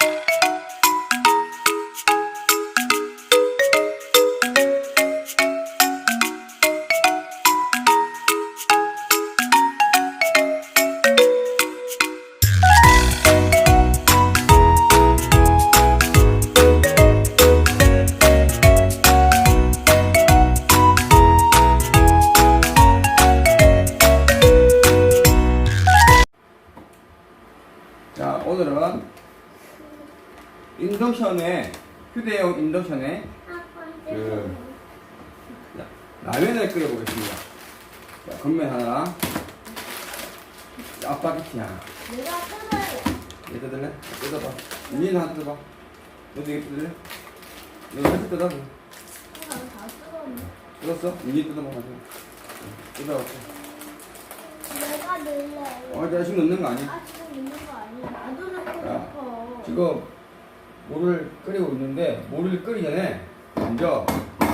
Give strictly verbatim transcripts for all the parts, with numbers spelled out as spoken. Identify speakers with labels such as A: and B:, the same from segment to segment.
A: 자, 오늘은 인덕션에, 휴대용 인덕션에 그 자, 라면을 끓여보겠습니다. 자, 건면 하나, 짜파게티 하나.
B: 내가 뜯어야
A: 얘 뜯을래? 뜯어봐. 니는 하나 뜯어봐. 너도 이거 뜯을래? 너도 하나 뜯어.
B: 다 뜯었네.
A: 뜯었어? 니 뜯어봐. 뜯어봐.
B: 내가 넣을래.
A: 어, 내가 지금 넣는 거 아니야?
B: 아, 지금 있는 거 아니야. 나도 넣고
A: 야,
B: 싶어.
A: 지금 물을 끓이고 있는데 물을 끓이기 전에 먼저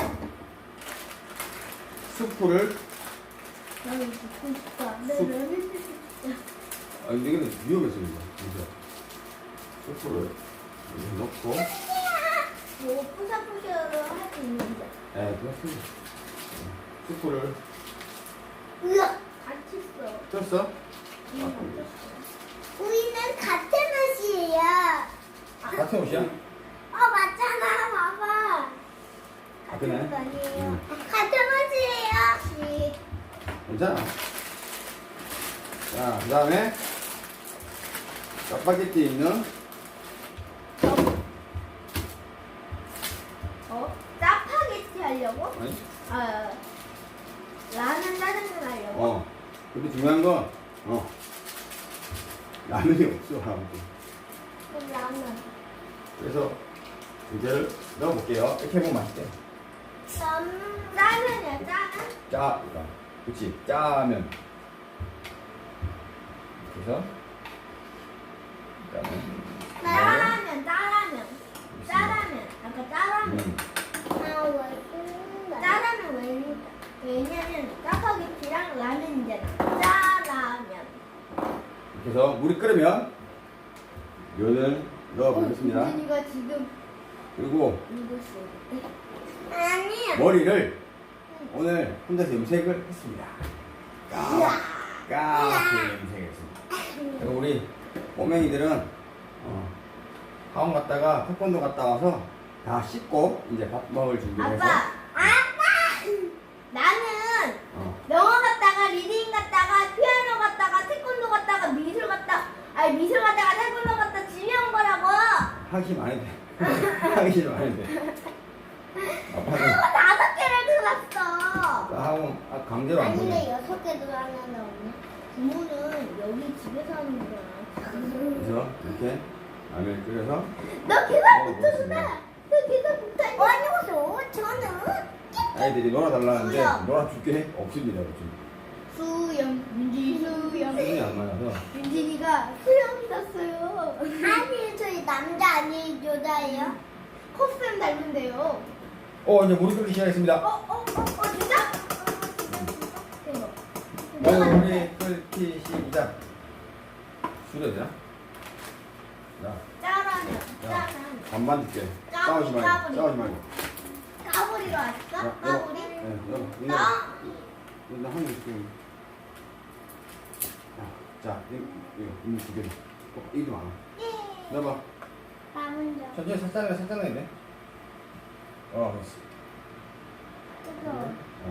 A: 스프를
B: 나는 듣고 싶다. 내
A: 쑥.
B: 레벨 진짜.
A: 아 근데 이거는 위험해서 이거 먼저 스프를 이렇게 넣고
B: 뭐 푸샤푸샤로 할 수 있는데.
A: 네 그렇습니다. 스프를
B: 으악! 같이 써.
A: 쪘어?
B: 응, 아, 우리는 같은 옷이에요.
A: 같은 옷이야?
B: 어, 맞잖아. 봐봐.
A: 아 그래?
B: 같은 옷 아니에요.
A: 응.
B: 같은 옷이에요.
A: 괜찮아. 자, 그 다음에 짜파게티 있는
B: 어? 짜파게티 하려고?
A: 아니?
B: 아, 라면 짜장면 하려고?
A: 어. 근데 중요한 건 어. 라면이 없어 아무튼.
B: 그럼 라면.
A: 그래서 이제를 넣어볼게요. 이렇게 해보면 맛있대.
B: 음, 짜면이야, 짜면?
A: 짜, 그러니까 그렇지. 짜면. 그래서 짜면.
B: 짜라면, 짜라면. 짜라면. 아까 짜라면.
A: 음.
B: 짜라면 왜, 왜냐면 짜파게티랑 라면이잖아. 짜라면.
A: 이렇게 해서 물이 끓으면 면을 넣어보겠습니다.
B: 이거 지금
A: 그리고
B: 이거 쓰 아니야.
A: 머리를 오늘 혼자서 염색을 했습니다. 까, 까맣게 염색했습니다. 그리고 우리 꼬맹이들은 어, 학원 갔다가 태권도 갔다 와서 다 씻고 이제 밥 먹을 준비를 해서
B: 아빠, 아빠. 나는
A: 어,
B: 영어 갔다가 리딩 갔다가 피아노 갔다가 태권도 갔다가 미술 갔다 아니 미술 갔다가 태권도 갔다 집에 온 거라고.
A: 하기 많이 돼. 하기 많이 돼. 아빠는
B: 그거 다섯 개를 들었어.
A: 학원 아, 강제로 안 보내.
B: 여섯 개 들어왔는데 없네. 부모는 여기 집에서 하는 거야.
A: 그래서 이렇게 라면을 끓여서
B: 너 계산 못해준다. 너 계산 못해. 아니었어. 저는
A: 아이들이 놀아달라는데
B: 수영.
A: 놀아줄게 없습니다 요즘.
B: 수영, 민지 수영.
A: 수준이 안 맞아서.
B: 민진이가 수영 샀어요. 아니, 저희 남자 아니에요, 여자예요? 코스튬 닮은데요.
A: 어 이제 물이 끓기 시작했습니다.
B: 어, 어, 어, 어, 진짜? 대박.
A: 어, 물이 끓기 시작. 줄여야 되나? 자,
B: 짜라면,
A: 자,
B: 짜라면.
A: 반반 줄게.
B: 까불이,
A: 싸우지 말고,
B: 까불이.
A: 싸우지 말고.
B: 까불이로
A: 야,
B: 왔어?
A: 여보.
B: 까불이?
A: 네, 여보, 이거,
B: 나?
A: 이거 한개 줄게. 자, 이거, 이거, 이거 두 개. 어, 이거 많아.
B: 예.
A: 넣어봐.
B: 나 먼저.
A: 천천히 살짝, 살짝 넣어야 돼. 어, 됐어.
B: 그거.
A: 어,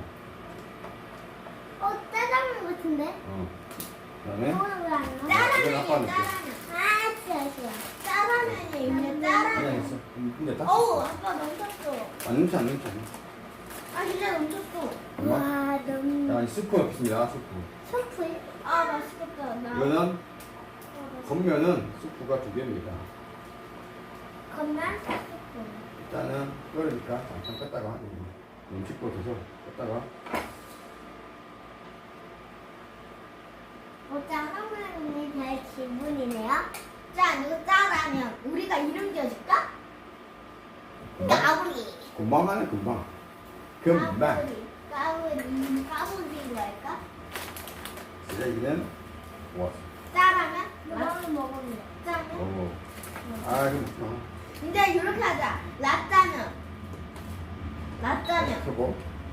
B: 어, 짜장면 같은데?
A: 어. 그 다음에,
B: 이거는 왜안 넣어?
A: 이건
B: 짜라면이
A: 아빠 넣을게.
B: 짜라면. 아, 진짜, 진짜. 짜라면이 있네,
A: 그냥
B: 짜라면.
A: 했어. 음, 근데 다
B: 어우, 아빠 넘쳤어.
A: 안 넘치, 안 넘치, 안 넘치.
B: 아, 진짜 넘쳤어.
A: 엄마?
B: 와, 너무.
A: 자, 이 스프 넣겠습니다, 스프.
B: 소프에? 아, 맛있겠다. 나.
A: 이거는,
B: 어, 맛있-
A: 겉면은 스프가 두 개입니다.
B: 겉면 소프.
A: 일단은 끓으니까 잠깐 껐다가 음식 꽂아서 껐다가
B: 어, 짜장면이 될 기분이네요. 자, 이거 짜라면 우리가 이름 지어줄까?
A: 금방
B: 까불이.
A: 금방 하네 금방 금방
B: 까불이. 까불이. 까불이로 할까?
A: 쓰레기는 모았어.
B: 짜라면? 맛있게 먹으면 짜면?
A: 오. 아, 좀, 어.
B: 이제 이렇게 하자. 라짜면. 라짜면.
A: 켜고.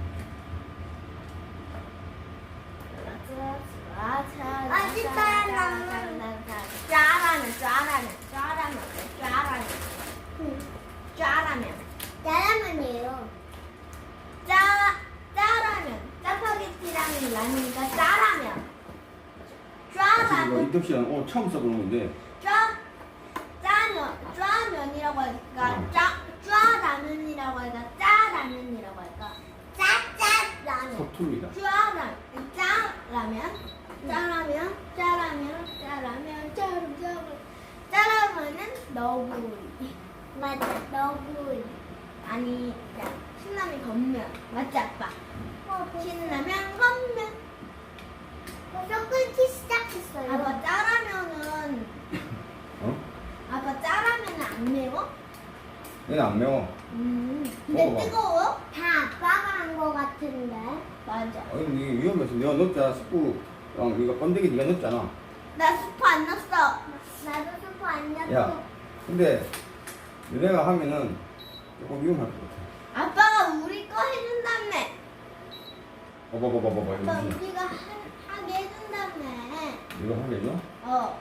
B: 맛있어요, 나는. 짜라면, 짜라면, 짜라면, 짜라면. 짜라면.
C: 짜라면이에요.
B: 짜, 짜라면. 짜파게티라면 라면이니까 짜라면.
A: 이거
B: 짜라면.
A: 이덕 씨랑 오늘 처음 써보는 건데.
B: 짜, 짜면, 짜면이라고 할까?
A: 어.
B: 짜, 짜라면이라고 할까? 짜라면이라고 할까?
C: 짜짜라면.
A: 서툴니다.
B: 짜라면, 짜라면, 짜라면, 짜라면, 짜라면, 짜라면, 짜라면. 짜라면은 너구리.
C: 맞아. 너구리.
B: 아니, 야, 신라면 건면. 맞지, 아빠?
C: 어,
B: 신라면 건면.
C: 벌써 끓기 시작했어요.
B: 아빠, 짜라면은,
A: 어?
B: 아빠, 짜라면은 안 매워?
A: 얘는 안 매워.
B: 음, 근데
A: 먹어봐.
B: 뜨거워?
C: 다 아빠가 한 거 같은데.
B: 맞아.
A: 아니, 이게 위험해서 내가 넣었잖아. 스프랑 이거 번데기 네가 넣었잖아.
B: 나 스프 안 넣었어.
C: 나도 스프 안 넣고.
A: 야, 근데 너네가 하면은 조금 위험할 것 같아.
B: 아빠가 우리 거 해준다며.
A: 봐봐봐봐봐.
B: 아빠
A: 이거
B: 우리가 하, 하게 해준다며.
A: 이거 하겠죠?
B: 어.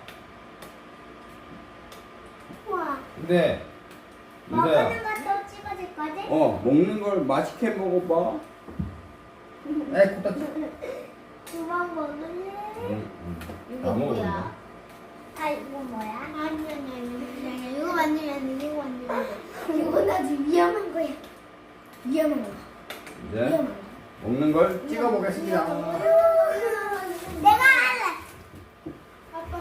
C: 우와.
A: 근데
C: 먹는
A: 이거야.
C: 것도 찍어줄 거지?
A: 어, 먹는 걸 맛있게 먹어봐. 에이, 코다 치.
C: 그만 먹을래?
A: 응, 응.
B: 이거
A: 다
B: 뭐야?
A: 먹어본다.
C: 아, 이거 뭐야?
B: 아니 아니 아니 아니 아니 이거 만지면 안 돼. 이거 만지면 안 돼.
C: 이거 나도 위험한 거야.
B: 위험한 거.
A: 이제
B: 위험한 거.
A: 먹는 걸 찍어보겠습니다.
C: 내가 할래.
B: 아빠.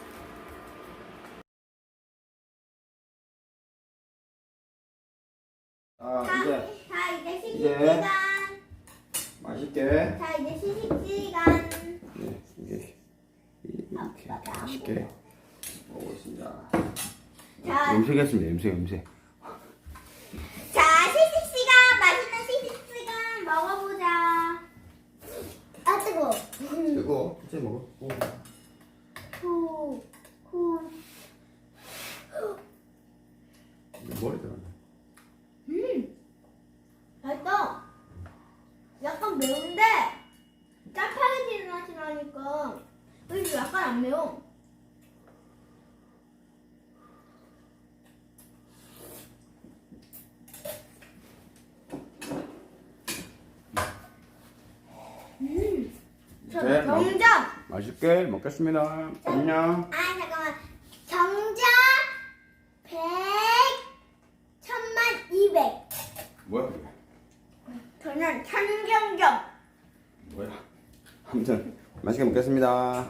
A: 자,
B: 자,
A: 이제
B: 자 이제 시식
A: 이제.
B: 시간.
A: 맛있게.
B: 자 이제 시식 시간.
A: 네, 이게 이렇게 맛있게 먹겠습니다.
B: 자,
A: 염색했습니다. 염색, 염색.
B: 자 시식 시간 맛있는 시식 시간 먹어보자.
C: 아, 뜨거워.
A: 이거 이제 먹어. 오.
C: 후, 후.
A: 머리 들어간다.
B: 음, 맛있다. 약간 매운데 짜파게티 맛이 나니까 그래도 약간 안 매워. 음, 저
A: 네, 맛-
B: 정답.
A: 맛있게 먹겠습니다. 안녕.
C: 아, 잠깐만. 정답 백, 천만, 이백.
A: 뭐야 그게?
B: 저는 천경점.
A: 뭐야? 아무튼 맛있게 먹겠습니다.